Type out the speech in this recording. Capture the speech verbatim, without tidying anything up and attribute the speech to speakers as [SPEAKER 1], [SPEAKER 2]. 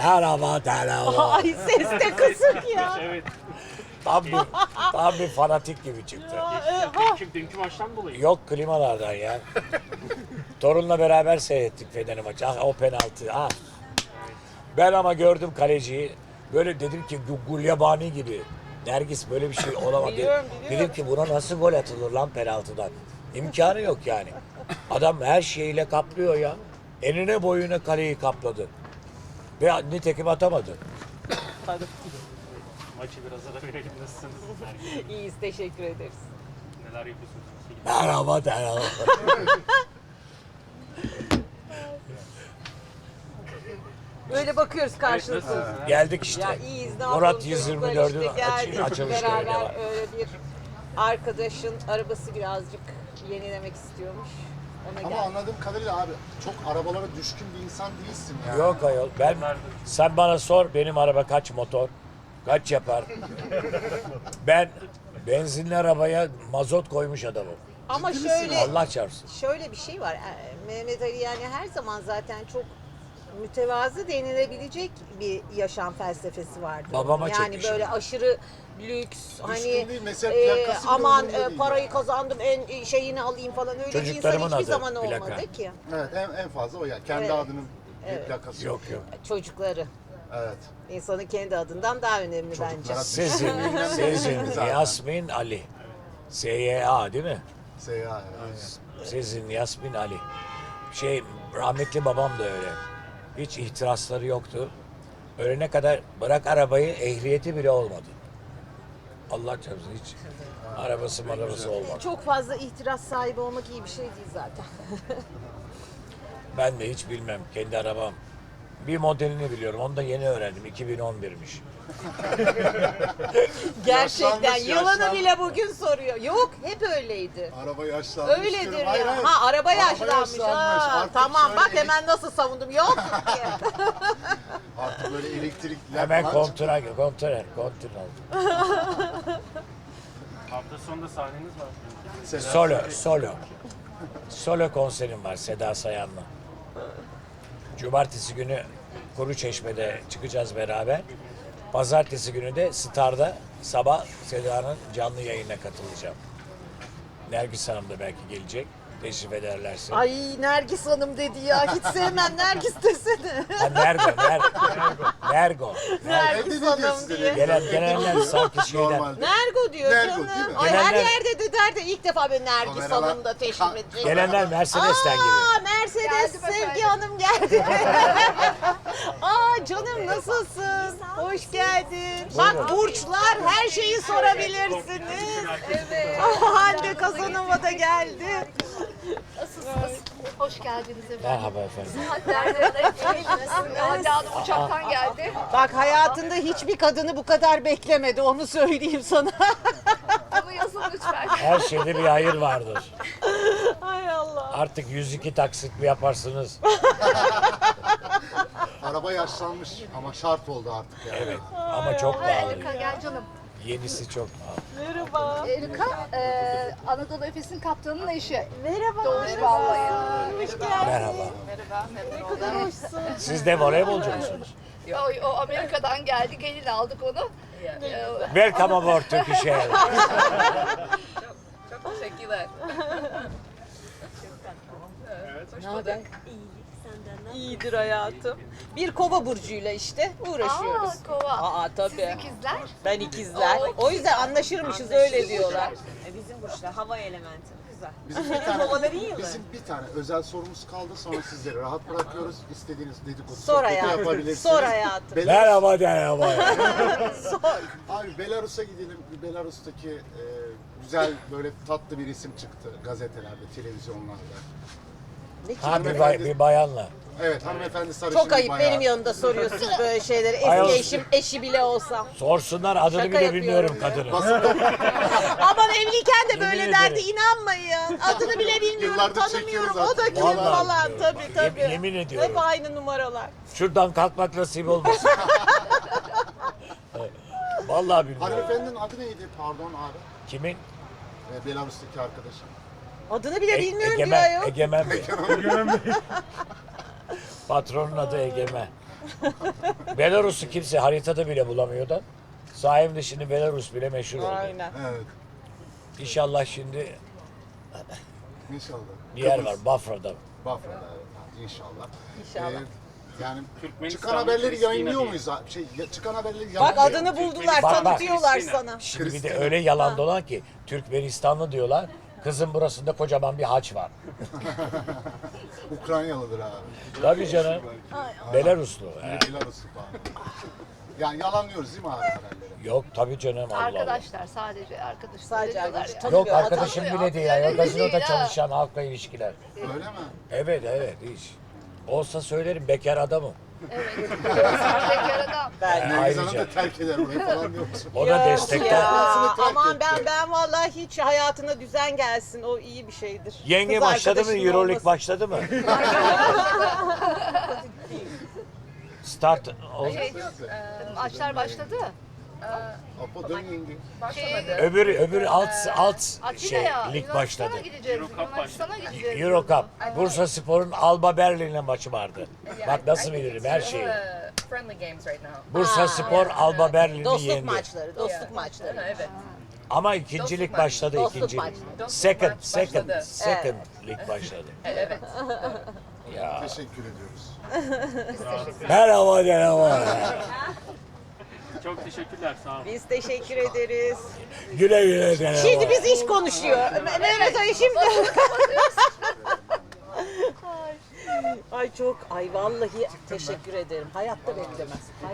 [SPEAKER 1] Merhaba merhaba.
[SPEAKER 2] Ay ses de kısık ya.
[SPEAKER 3] Evet.
[SPEAKER 1] Tam bir, tam bir fanatik gibi çıktı.
[SPEAKER 3] Dünkü, dünkü maçtan dolayı.
[SPEAKER 1] Yok klimalardan ya. Torunla beraber seyrettik Fener'i maçı. Ah, o penaltı. Ah. Ben ama gördüm kaleciyi. Böyle dedim ki Gu- Gulyabani gibi. Nergis böyle bir şey olamaz.
[SPEAKER 2] Biliyorum, biliyorum.
[SPEAKER 1] Dedim ki buna nasıl gol atılır lan penaltıdan? İmkanı yok yani. Adam her şeyiyle kaplıyor ya. Enine boyuna kaleyi kapladı. Ve nitekim atamadı.
[SPEAKER 3] Maçı biraz ara verelim. Nasılsınız?
[SPEAKER 2] İyiyiz, teşekkür ederiz.
[SPEAKER 3] Neler yapıyorsunuz?
[SPEAKER 1] Merhaba merhaba.
[SPEAKER 2] Böyle bakıyoruz karşılıklı.
[SPEAKER 1] Geldik işte.
[SPEAKER 2] Ya iyiyiz, ne
[SPEAKER 1] Murat
[SPEAKER 2] yapalım
[SPEAKER 1] yüz yirmi
[SPEAKER 2] çocuklar
[SPEAKER 1] dördün
[SPEAKER 2] işte geldik
[SPEAKER 1] açılış töreni
[SPEAKER 2] beraber
[SPEAKER 1] var.
[SPEAKER 2] öyle bir arkadaşın arabası birazcık yenilemek istiyormuş. Ona
[SPEAKER 4] Ama
[SPEAKER 2] geldik.
[SPEAKER 4] anladığım kadarıyla abi çok arabalara düşkün bir insan değilsin yani.
[SPEAKER 1] Yok ayol. Ben, sen bana sor benim araba kaç motor, kaç yapar. Ben benzinli arabaya mazot koymuş adamım.
[SPEAKER 2] Ama
[SPEAKER 4] Ciddi
[SPEAKER 2] şöyle
[SPEAKER 1] Allah çarpsın.
[SPEAKER 2] şöyle bir şey var. e, Mehmet Ali yani her zaman zaten çok mütevazı denilebilecek bir yaşam felsefesi vardı.
[SPEAKER 1] Babama
[SPEAKER 2] yani
[SPEAKER 1] çekmişim.
[SPEAKER 2] böyle aşırı lüks hani
[SPEAKER 4] değil, mesela
[SPEAKER 2] e,
[SPEAKER 4] plakası bile
[SPEAKER 2] aman
[SPEAKER 4] umurumda
[SPEAKER 2] e,
[SPEAKER 4] değil
[SPEAKER 2] parayı
[SPEAKER 4] yani.
[SPEAKER 2] kazandım en şeyini alayım falan öyle bir insan
[SPEAKER 1] Çocuklarımın
[SPEAKER 2] hiçbir
[SPEAKER 1] adı,
[SPEAKER 2] zaman
[SPEAKER 1] plaka.
[SPEAKER 2] olmadı ki.
[SPEAKER 4] Evet en, en fazla o ya. Kendi
[SPEAKER 2] Evet.
[SPEAKER 4] adının bir plakası
[SPEAKER 1] Yok yok.
[SPEAKER 2] Çocukları.
[SPEAKER 4] Evet.
[SPEAKER 2] İnsanın kendi adından daha önemli bence.
[SPEAKER 4] Çocuklara
[SPEAKER 1] Sizin, sizin Yasmin Ali. S Y A değil mi?
[SPEAKER 4] Seyahat. Evet.
[SPEAKER 1] Sizin Yasmin Ali. Şey rahmetli babam da öyle. Hiç ihtirasları yoktu. Ölene kadar bırak arabayı ehliyeti bile olmadı. Allah çarpsın hiç arabası marabası olmadı.
[SPEAKER 2] Çok fazla ihtiras sahibi olmak iyi bir şey değil zaten.
[SPEAKER 1] Ben de hiç bilmem kendi arabam. Bir modelini biliyorum. Onu da yeni öğrendim. iki bin on birmiş.
[SPEAKER 2] Gerçekten
[SPEAKER 4] Yaşlanmış,
[SPEAKER 2] yılanı
[SPEAKER 4] yaşlanmış.
[SPEAKER 2] bile bugün soruyor. Yok hep öyleydi.
[SPEAKER 4] Araba yaşlanmış.
[SPEAKER 2] Öyledir
[SPEAKER 4] diyorum.
[SPEAKER 2] ya.
[SPEAKER 4] Hayır, hayır.
[SPEAKER 2] Ha araba yaşlanmış. Ha,
[SPEAKER 4] Artık
[SPEAKER 2] tamam
[SPEAKER 4] şöyle
[SPEAKER 2] bak
[SPEAKER 4] elek-
[SPEAKER 2] hemen nasıl savundum. Yok diye.
[SPEAKER 4] Artık böyle elektrikler
[SPEAKER 1] Hemen
[SPEAKER 4] falan
[SPEAKER 1] kontra, kontrer, kontür oldu.
[SPEAKER 3] Hafta sonunda sahneniz var.
[SPEAKER 4] çıktı.
[SPEAKER 1] Solo, solo. Solo konserim var Seda Sayan'la. Cumartesi günü Kuruçeşme'de çıkacağız beraber. Pazartesi günü de Star'da sabah Seda'nın canlı yayınına katılacağım. Nergis Hanım da belki gelecek. Teşrif ederlerse.
[SPEAKER 2] Ay Nergis Hanım dedi ya. Hiç sevmem Nergis desene.
[SPEAKER 1] Ha, Nergo, Nergo. Nergo.
[SPEAKER 2] Nergis
[SPEAKER 4] Evde ne diyor
[SPEAKER 2] Hanım
[SPEAKER 4] size
[SPEAKER 2] diye.
[SPEAKER 4] dedi?
[SPEAKER 1] Gelen, gelenler sanki şeyden.
[SPEAKER 4] Normalde.
[SPEAKER 2] Nergo diyor
[SPEAKER 4] Nergo,
[SPEAKER 2] canım.
[SPEAKER 4] değil mi?
[SPEAKER 2] Ay her
[SPEAKER 1] Gelenler-
[SPEAKER 2] yerde de der de ilk defa böyle Nergis
[SPEAKER 4] Kameralar-
[SPEAKER 2] Hanım da teşrif
[SPEAKER 4] Ka-
[SPEAKER 2] edecek.
[SPEAKER 1] Gelenler Mercedes'ten gibi.
[SPEAKER 2] Aa Mercedes Sevgi Hanım geldi. Aa canım nasılsın? Hoş geldin. Bak burçlar her şeyi sorabilirsiniz.
[SPEAKER 5] Evet.
[SPEAKER 2] Hande Kazanova da geldi.
[SPEAKER 5] Nasılsınız? Hoş geldiniz efendim.
[SPEAKER 1] Merhaba efendim.
[SPEAKER 5] Saatlerden Hande Hanım uçaktan geldi.
[SPEAKER 2] Bak hayatında hiçbir kadını bu kadar beklemedi onu söyleyeyim sana.
[SPEAKER 5] Bunu yazın lütfen.
[SPEAKER 1] Her şeyde bir hayır vardır.
[SPEAKER 2] Hay Allah.
[SPEAKER 1] Artık yüz iki taksit mi yaparsınız?
[SPEAKER 4] Araba yaşlanmış ama şart oldu artık yani.
[SPEAKER 1] Evet. Ama çok pahalı.
[SPEAKER 5] Erika gel canım.
[SPEAKER 1] Yenisi çok pahalı.
[SPEAKER 2] Merhaba.
[SPEAKER 5] Erika e, Anadolu Efes'in kaptanının eşi.
[SPEAKER 2] Merhaba.
[SPEAKER 5] Doğuş Ballayı.
[SPEAKER 2] Hoş geldin.
[SPEAKER 1] Merhaba.
[SPEAKER 5] Merhaba.
[SPEAKER 2] Ne kadar hoşsun.
[SPEAKER 1] Siz de voleybolcu musunuz?
[SPEAKER 5] O, o Amerika'dan geldi. Gelin aldık onu. E,
[SPEAKER 1] Welcome aboard Turkish Airlines.
[SPEAKER 5] Çok teşekkürler.
[SPEAKER 2] Ne haber? İyidir hayatım. Bir kova burcuyla işte uğraşıyoruz.
[SPEAKER 5] Aa, kova.
[SPEAKER 2] Aa
[SPEAKER 5] Siz
[SPEAKER 2] tabii.
[SPEAKER 5] ikizler.
[SPEAKER 2] Ben ikizler. O yüzden anlaşırmışız öyle diyorlar.
[SPEAKER 6] E, Bizim burçlar hava elementi. Güzel.
[SPEAKER 4] Bizim bir tane,
[SPEAKER 6] Kovaların yılı.
[SPEAKER 4] bizim bir tane özel sorumuz kaldı sonra sizleri rahat bırakıyoruz. İstediğiniz dedikodu
[SPEAKER 2] Sor
[SPEAKER 4] sohbeti
[SPEAKER 2] hayatım.
[SPEAKER 4] yapabilirsiniz.
[SPEAKER 2] Sor hayatım.
[SPEAKER 4] Belarus-
[SPEAKER 1] Merhaba merhaba.
[SPEAKER 4] Abi Belarus'a gidelim. Bir Belarus'taki e, güzel böyle tatlı bir isim çıktı gazetelerde, televizyonlarda.
[SPEAKER 2] Ne ki?
[SPEAKER 1] Ha bir, bay, bir bayanla.
[SPEAKER 4] Evet hanımefendi sarışın
[SPEAKER 2] Çok
[SPEAKER 4] bir
[SPEAKER 2] ayıp
[SPEAKER 4] bayağı.
[SPEAKER 2] benim yanımda soruyorsunuz böyle şeyleri. Eski
[SPEAKER 1] Ayol.
[SPEAKER 2] eşim, eşi bile olsam.
[SPEAKER 1] Sorsunlar adını
[SPEAKER 2] Şaka
[SPEAKER 1] bile
[SPEAKER 2] yapıyorum
[SPEAKER 1] bilmiyorum
[SPEAKER 2] ya.
[SPEAKER 1] kadının.
[SPEAKER 2] Aman evliyken de böyle
[SPEAKER 1] Yemin
[SPEAKER 2] derdi
[SPEAKER 1] ederim.
[SPEAKER 2] inanmayın. Adını bile bilmiyorum,
[SPEAKER 4] Yıllardır
[SPEAKER 2] tanımıyorum.
[SPEAKER 4] çekiyoruz
[SPEAKER 2] O da
[SPEAKER 4] artık.
[SPEAKER 2] kim
[SPEAKER 1] Vallahi
[SPEAKER 2] falan
[SPEAKER 1] bilmiyorum.
[SPEAKER 2] tabii
[SPEAKER 1] Yem-
[SPEAKER 2] tabii.
[SPEAKER 1] yemin ediyorum.
[SPEAKER 2] Hep aynı numaralar.
[SPEAKER 1] Şuradan kalkmak nasip olmasın. Vallahi bilmiyorum.
[SPEAKER 4] Hanımefendinin adı neydi pardon abi?
[SPEAKER 1] Kimin?
[SPEAKER 4] E, Belarus'taki arkadaşım.
[SPEAKER 2] Adını bile
[SPEAKER 1] E-
[SPEAKER 2] bilmiyorum diyor
[SPEAKER 1] Egemen,
[SPEAKER 2] ayol.
[SPEAKER 1] Egemen Bey. Patronun adı Egemen. Belarus'u kimse haritada bile bulamıyor da. Sayemde şimdi Belarus bile meşhur oldu.
[SPEAKER 2] Aynen.
[SPEAKER 4] Evet.
[SPEAKER 1] İnşallah şimdi
[SPEAKER 4] İnşallah.
[SPEAKER 1] bir yer
[SPEAKER 4] Kıbrıs,
[SPEAKER 1] var Bafra'da.
[SPEAKER 4] Bafra'da evet. İnşallah.
[SPEAKER 2] İnşallah.
[SPEAKER 4] Ee, yani
[SPEAKER 3] Türkmenistan
[SPEAKER 4] çıkan haberleri
[SPEAKER 3] Kristina
[SPEAKER 4] yayınlıyor
[SPEAKER 3] diye.
[SPEAKER 4] muyuz? abi? Şey, ya- çıkan haberleri
[SPEAKER 2] Bak
[SPEAKER 4] yayınlıyor
[SPEAKER 2] adını buldular,
[SPEAKER 1] Bak, bak.
[SPEAKER 2] tanıtıyorlar
[SPEAKER 3] Kristina.
[SPEAKER 2] sana.
[SPEAKER 1] Şimdi bir de
[SPEAKER 4] Kristina.
[SPEAKER 1] öyle yalan dolan ki Türkmenistanlı diyorlar. Kızın burasında kocaman bir haç var.
[SPEAKER 4] Ukraynalıdır abi.
[SPEAKER 1] Tabii canım. Belaruslu. He.
[SPEAKER 4] Belaruslu falan. Yani yalanlıyoruz değil mi abi haberleri?
[SPEAKER 1] Yok tabii canım Allah Allah.
[SPEAKER 5] Arkadaşlar sadece arkadaşlar.
[SPEAKER 2] Sadece
[SPEAKER 5] diyorlar
[SPEAKER 2] arkadaş.
[SPEAKER 5] ya.
[SPEAKER 2] Tabii.
[SPEAKER 1] Yok
[SPEAKER 2] Tanımıyor,
[SPEAKER 1] arkadaşım
[SPEAKER 5] tanımıyor.
[SPEAKER 1] bile değil ya.
[SPEAKER 5] Öyle
[SPEAKER 1] Gazinoda
[SPEAKER 5] değil ha.
[SPEAKER 1] çalışan halkla ilişkiler.
[SPEAKER 4] Öyle mi?
[SPEAKER 1] Evet evet hiç. Olsa söylerim bekar adamım.
[SPEAKER 5] Evet. Bekar adam.
[SPEAKER 2] Ben.
[SPEAKER 4] Nergiz Hanım
[SPEAKER 1] Ayrıca.
[SPEAKER 4] da terk eder orayı falan diyor musun?
[SPEAKER 1] O da
[SPEAKER 2] Yok
[SPEAKER 1] destekte.
[SPEAKER 2] ya,
[SPEAKER 4] Kafasını terk
[SPEAKER 2] aman
[SPEAKER 4] etti.
[SPEAKER 2] ben ben vallahi hiç hayatına düzen gelsin. O iyi bir şeydir.
[SPEAKER 1] Yenge
[SPEAKER 2] Kız
[SPEAKER 1] başladı mı?
[SPEAKER 2] arkadaşının
[SPEAKER 1] Euroleague
[SPEAKER 2] olması.
[SPEAKER 1] başladı mı? Start ol-
[SPEAKER 5] Şey, maçlar başladı.
[SPEAKER 4] Apo dön yenge.
[SPEAKER 5] Şey,
[SPEAKER 1] öbür öbür alt alt şey
[SPEAKER 5] Atina'ya,
[SPEAKER 1] lig
[SPEAKER 5] Yunanistan'a
[SPEAKER 1] başladı.
[SPEAKER 5] gideceğiz.
[SPEAKER 3] Euro Cup
[SPEAKER 5] Yunanistan'a gideceğiz.
[SPEAKER 1] Euro Cup. Bursa Spor'un Alba Berlin'le maçı vardı. Bak nasıl bilirim her şeyi.
[SPEAKER 7] Friendly games right now.
[SPEAKER 1] Bursa Spor Alba Berlin'i
[SPEAKER 2] Dostluk
[SPEAKER 1] yendi.
[SPEAKER 2] maçları, dostluk
[SPEAKER 7] Yeah.
[SPEAKER 2] maçları.
[SPEAKER 7] Evet.
[SPEAKER 1] Ama ikincilik
[SPEAKER 7] Dostluk
[SPEAKER 1] başladı
[SPEAKER 2] Dostluk
[SPEAKER 1] ikinci.
[SPEAKER 2] maçı.
[SPEAKER 7] Dostluk
[SPEAKER 1] Second,
[SPEAKER 7] maç
[SPEAKER 1] second,
[SPEAKER 7] başladı.
[SPEAKER 1] second lig başladı.
[SPEAKER 7] Evet.
[SPEAKER 1] Ya.
[SPEAKER 4] Teşekkür ediyoruz.
[SPEAKER 1] Merhaba merhaba.
[SPEAKER 3] Çok teşekkürler sağ olun.
[SPEAKER 2] Biz teşekkür ederiz.
[SPEAKER 1] Güle güle merhaba.
[SPEAKER 2] Şimdi biz iş konuşuyor. Me- Mehmet Ali şimdi. Ay çok, ay vallahi teşekkür ederim. Hayatta beklemez.